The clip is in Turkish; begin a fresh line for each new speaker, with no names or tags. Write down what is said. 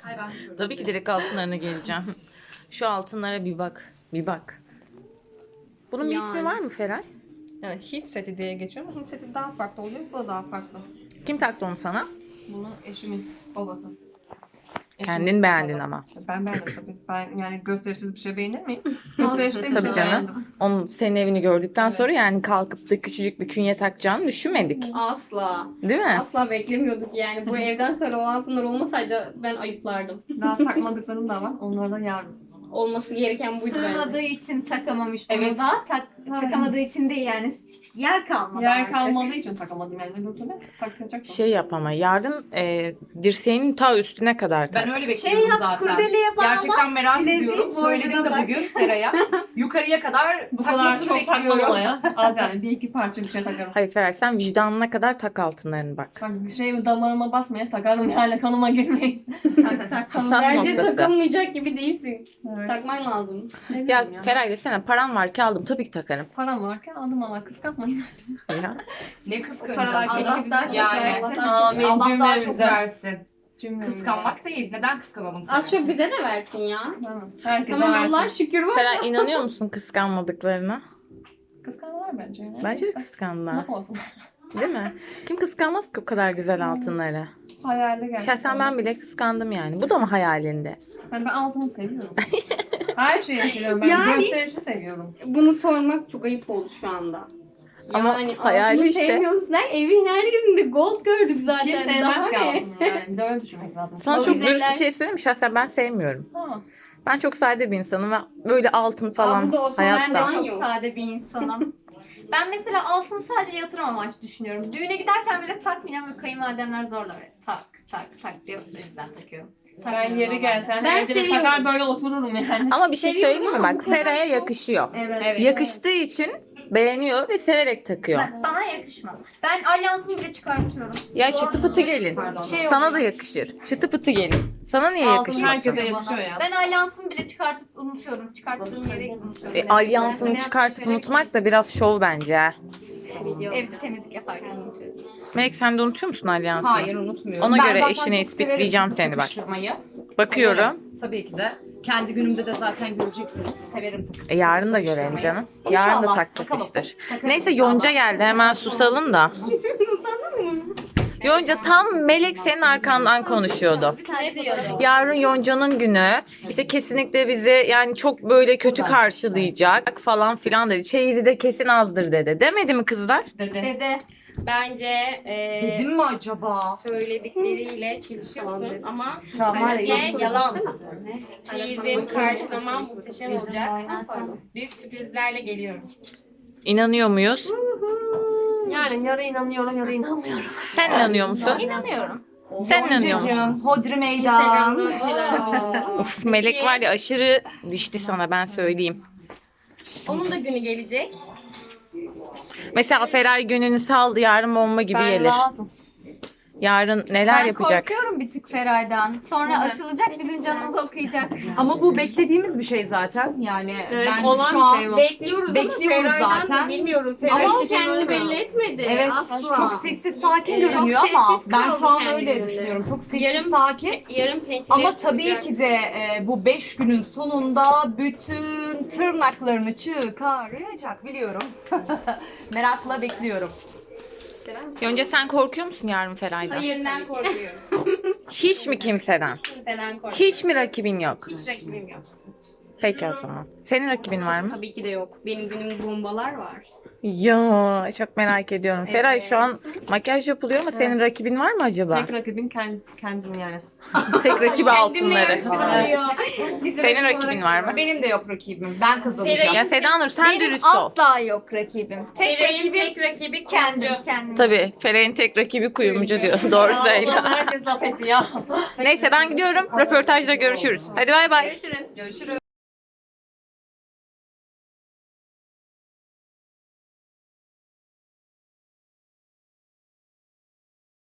Tabii ki direkt altınlarına geleceğim. Şu altınlara bir bak. Bir bak. Bunun bir ismi var mı Feray?
Yani Hint seti diye geçiyor ama Hint seti daha farklı oluyor. Bu da daha farklı.
Kim taktı onu sana?
Bunu eşimin babası.
Kendin beğendin ama.
Ben beğendim tabii. Ben yani gösterişsiz bir şey beğenir miyim? Gösterişli bir
Tabii
şey
canım.
beğendim.
Onun senin evini gördükten sonra yani kalkıp da küçücük bir künye takacağını düşünmedik.
Asla.
Değil mi?
Asla beklemiyorduk yani. Bu evden sonra o altınlar olmasaydı ben ayıplardım.
Daha takmadıklarım da var. Onları da yarın.
Olması gereken buydu
Sığmadığı
bence.
için takamamış bunu
Evet.
da. Takamadığı için değil yani. Yer kalmadı
Yer
artık.
kalmadığı için takamadım yani. Öbür türlü takacak.
Şey yap ama yarın dirseğinin ta üstüne kadar tak.
Ben öyle
Şey
bekliyorum
yap,
zaten.
kurdeleye bağla.
Gerçekten merak
bileziği
ediyorum.
boynuna
Söyledim de
tak.
bugün Feray'a. Yukarıya kadar
Bu kadar
takmasını
çok
bekliyorum.
takmam ya. Az yani bir iki parça bir şey takarım.
Hayır Feray sen vicdanına kadar tak altınlarını bak.
Bak bir şey damarıma basmaya takarım yani kanıma girmeyin.
Tak.
Hassas
Bence
noktası.
takılmayacak gibi değilsin.
Evet.
Takman lazım.
Ya Feray desene param var ki aldım tabii ki takarım.
Param varken aldım ama kıskanmayın.
Ya.
Ne kıskanacağız?
Allah daha çok
Yani.
versin.
Amin
Allah daha çok
cümlemize.
versin.
Cümlemize.
Kıskanmak değil. Neden kıskanalım seni?
Az çok bize de versin ya.
Tamam. Herkese
Tamam
versin.
Allah'a şükür var.
Feray inanıyor musun kıskanmadıklarına?
Kıskanırlar bence. Yani.
Bence de kıskandılar.
Ne olsun.
Değil mi? Kim kıskanmaz ki o kadar güzel altınları?
Hayalde gerçekten.
Şahsen ben bile kıskandım yani. Bu da mı hayalinde?
Ben altını seviyorum. Her şeyi seviyorum. Ben
Yani-
gösterişi seviyorum.
Bunu sormak çok ayıp oldu şu anda.
Ama hayali
altını
işte.
sevmiyor musun? Evin her yerinde gold gördük zaten.
Kim
Daha
sevmez ki
ne?
altını yani. Bir de öyle düşünmek lazım.
Sana
O
çok
güzeller-
dürüst bir şey söyleyeyim mi? Şahsen ben sevmiyorum.
Ha.
Ben çok sade bir insanım ve böyle altın falan
Aa, bu da olsa ben de
hayatta.
çok
Yok.
sade bir insanım. Ben mesela altını sadece yatırım amaçlı düşünüyorum. Düğüne giderken bile takmayacağım ve kayınvalidemler zorla böyle tak diyor. O yüzden takıyorum.
Ben
Takmıyorum
yeri
normalde.
gelsen
Ben
evde de
seviyorum.
takar böyle otururum yani.
Ama bir şey
Seviyorum
söyleyeyim mi?
ama
Bak
bu kadar
Feray'a
çok-
yakışıyor.
Evet.
Yakıştığı için beğeniyor ve severek takıyor.
Bana yakışmadı. Ben alyansımı bile çıkartıyorum.
Ya çıtı pıtı gelin.
Pardon.
Sana da yakışır. Çıtı pıtı gelin. Sana niye
Altın
yakışmasın?
herkese yakışıyor ya.
Ben alyansımı bile çıkartıp unutuyorum. Çıkarttığım yere unutuyorum.
Alyansını çıkartıp unutmak da biraz şov bence. ha.
Evde temizlik yaparken unutuyorum.
Melek sen de unutuyor musun alyansını?
Hayır unutmuyorum.
Ona
Ben
göre
zaten
eşine
çok
ispatleyeceğim
severim
seni bak.
takıştırmayı.
Bakıyorum.
Severim. Tabii ki de. Kendi günümde de zaten göreceksiniz. Severim takıştırmayı.
Yarın da görelim canım. Yarın da
İnşallah.
tak
Bakalım.
takıştır.
Takarım
Neyse
inşallah.
Yonca geldi. Hemen susalım da. Yonca tam Melek senin arkandan konuşuyordu.
Ne diyordu?
Yarın Yonca'nın günü. İşte kesinlikle bizi yani çok böyle kötü karşılayacak falan filan dedi. Çeyizi de kesin azdır dedi. Demedi mi kızlar?
Dede.
Bence
Dedim mi acaba?
söyledikleriyle çelişiyorsun ama
Şu an var
bence
ya,
yalan. Çeyizim karşılamam muhteşem olacak. Büyük sürprizlerle geliyorum.
İnanıyor muyuz?
Yani yarı inanıyorum yarı inanmıyorum.
Sen inanıyor musun?
İnanıyorum.
Sen inanıyor musun?
Yoncacığım, Hodri meydan.
Instagram'da bir şeyler var.
Of Melek var ya aşırı dişti sana ben söyleyeyim.
Onun da günü gelecek.
Mesela Feray gününü saldı yarın bomba gibi
Ben
gelir.
rahatım.
Yarın neler
Ben
yapacak?
korkuyorum bir tık Feray'dan. Sonra açılacak bizim canımızı okuyacak.
Ama bu beklediğimiz bir şey zaten. Yani
Evet,
ben
olan
şu
bir
an
şey bu.
Bekliyoruz,
Bekliyoruz
ama Feray'dan
zaten.
da bilmiyorum. Feray
Ama
hiç kendini
kendini
belli etmedi.
evet
Asla.
çok sessiz sakin
Evet, çok
görünüyor ama
sessiz
ben şu an
kaldı
öyle
kendinde.
düşünüyorum. Çok sessiz
Yarın-
sakin.
Yarın pençeleri
Ama tabii
tutacak.
ki de bu 5 günün sonunda bütün tırnaklarını çıkaracak biliyorum. Merakla bekliyorum.
Sever misin?
Yonca sen korkuyor musun yarın Feray'dan?
Hayırdan korkuyorum.
Hiç mi kimseden?
Kimseden korkuyorum.
Hiç mi rakibin yok?
Hiç rakibim yok.
Peki o zaman. Senin rakibin var mı?
Tabii ki de yok. Benim günüm bombalar var.
Ya çok merak ediyorum. Feray şu an makyaj yapılıyor ama senin rakibin var mı acaba?
Tek rakibin kendim yani.
Tek rakibi altınları.
Bizim
Senin
rakip
rakibin
olarak-
var mı?
Benim de yok rakibim. Ben kazanacağım.
Ya Seda Nur sen
Benim
dürüst ol.
asla yok rakibim. Tek
Feray'ın
rakibim
tek rakibi
kendim.
kendim.
Kendim.
Tabii Feray'ın tek rakibi kuyumcu diyor. Doğru söyle.
Allah'ım herkes laf etti ya.
Neyse ben gidiyorum. Röportajda görüşürüz. Hadi bay bay.
Görüşürüz.
Görüşürüz.